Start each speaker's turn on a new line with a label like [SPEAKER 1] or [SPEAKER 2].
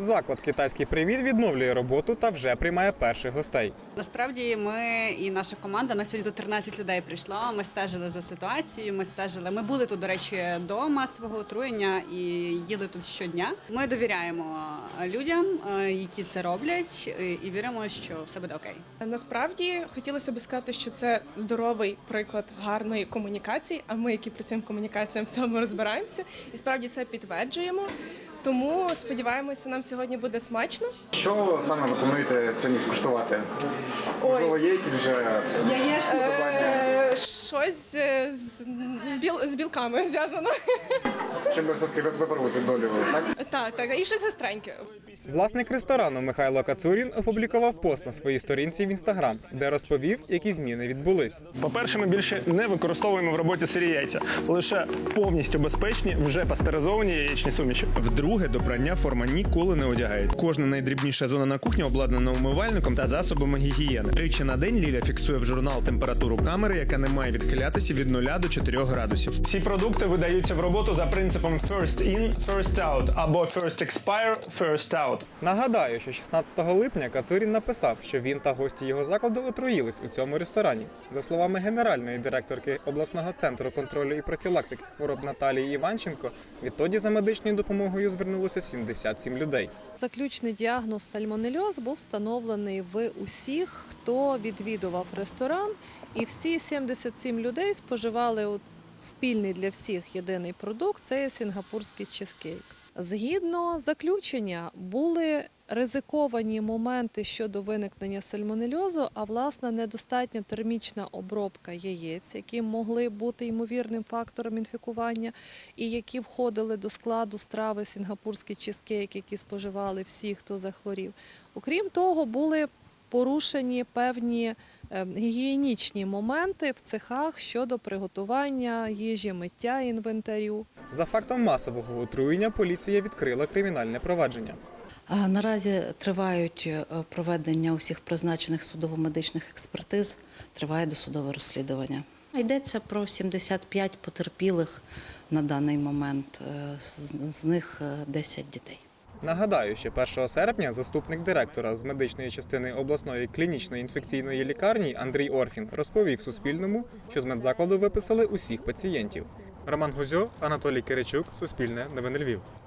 [SPEAKER 1] Заклад «Китайський привіт» відновлює роботу та вже приймає перших гостей.
[SPEAKER 2] Насправді ми і наша команда, на сьогодні тут 13 людей прийшло, ми стежили за ситуацією, ми були тут, до речі, до масового отруєння і їли тут щодня. Ми довіряємо людям, які це роблять, і віримо, що все буде окей.
[SPEAKER 3] Насправді хотілося б сказати, що це здоровий приклад гарної комунікації, а ми, які працюємо комунікаціям, в цьому розбираємося і справді це підтверджуємо. Тому сподіваємося, нам сьогодні буде смачно.
[SPEAKER 4] Що саме ви плануєте сьогодні скуштувати? Можливо, є якісь вже вподобання?
[SPEAKER 3] Щось з білками зв'язано.
[SPEAKER 4] Щоб все-таки випробувати долю, так?
[SPEAKER 3] Так, і щось гостреньке.
[SPEAKER 1] Власник ресторану Михайло Кацурін опублікував пост на своїй сторінці в Інстаграм, де розповів, які зміни відбулись.
[SPEAKER 5] По-перше, ми більше не використовуємо в роботі сирі яйця, лише повністю безпечні, вже пастеризовані яєчні суміші.
[SPEAKER 6] Вдруге, до прання форма ніколи не одягають. Кожна найдрібніша зона на кухні обладнана умивальником та засобами гігієни. Тричі на день Ліля фіксує в журнал температуру камери, яка не має відхилятися від 0 до 4 градусів.
[SPEAKER 5] Всі продукти видаються в роботу за принципом first in, first out або first expire, first out.
[SPEAKER 1] Нагадаю, що 16 липня Кацурін написав, що він та гості його закладу отруїлись у цьому ресторані. За словами генеральної директорки обласного центру контролю і профілактики хвороб Наталії Іванченко, відтоді за медичною допомогою звернулося 77 людей.
[SPEAKER 7] Заключний діагноз сальмонельоз був встановлений в усіх, хто відвідував ресторан, і всі 77 людей споживали спільний для всіх єдиний продукт – це сінгапурський чизкейк. Згідно заключення, були ризиковані моменти щодо виникнення сальмонельозу, а власне недостатня термічна обробка яєць, які могли бути ймовірним фактором інфікування і які входили до складу страви сінгапурський чизкейк, які споживали всі, хто захворів. Окрім того, були порушені певні гігієнічні моменти в цехах щодо приготування їжі, миття інвентарю.
[SPEAKER 1] За фактом масового отруєння поліція відкрила кримінальне провадження.
[SPEAKER 8] Наразі тривають проведення усіх призначених судово-медичних експертиз, триває досудове розслідування. Йдеться про 75 потерпілих на даний момент, з них 10 дітей.
[SPEAKER 1] Нагадаю, що 1 серпня заступник директора з медичної частини обласної клінічної інфекційної лікарні Андрій Орфін розповів Суспільному, що з медзакладу виписали усіх пацієнтів. Роман Гузьо, Анатолій Киричук, Суспільне, Новини Львів.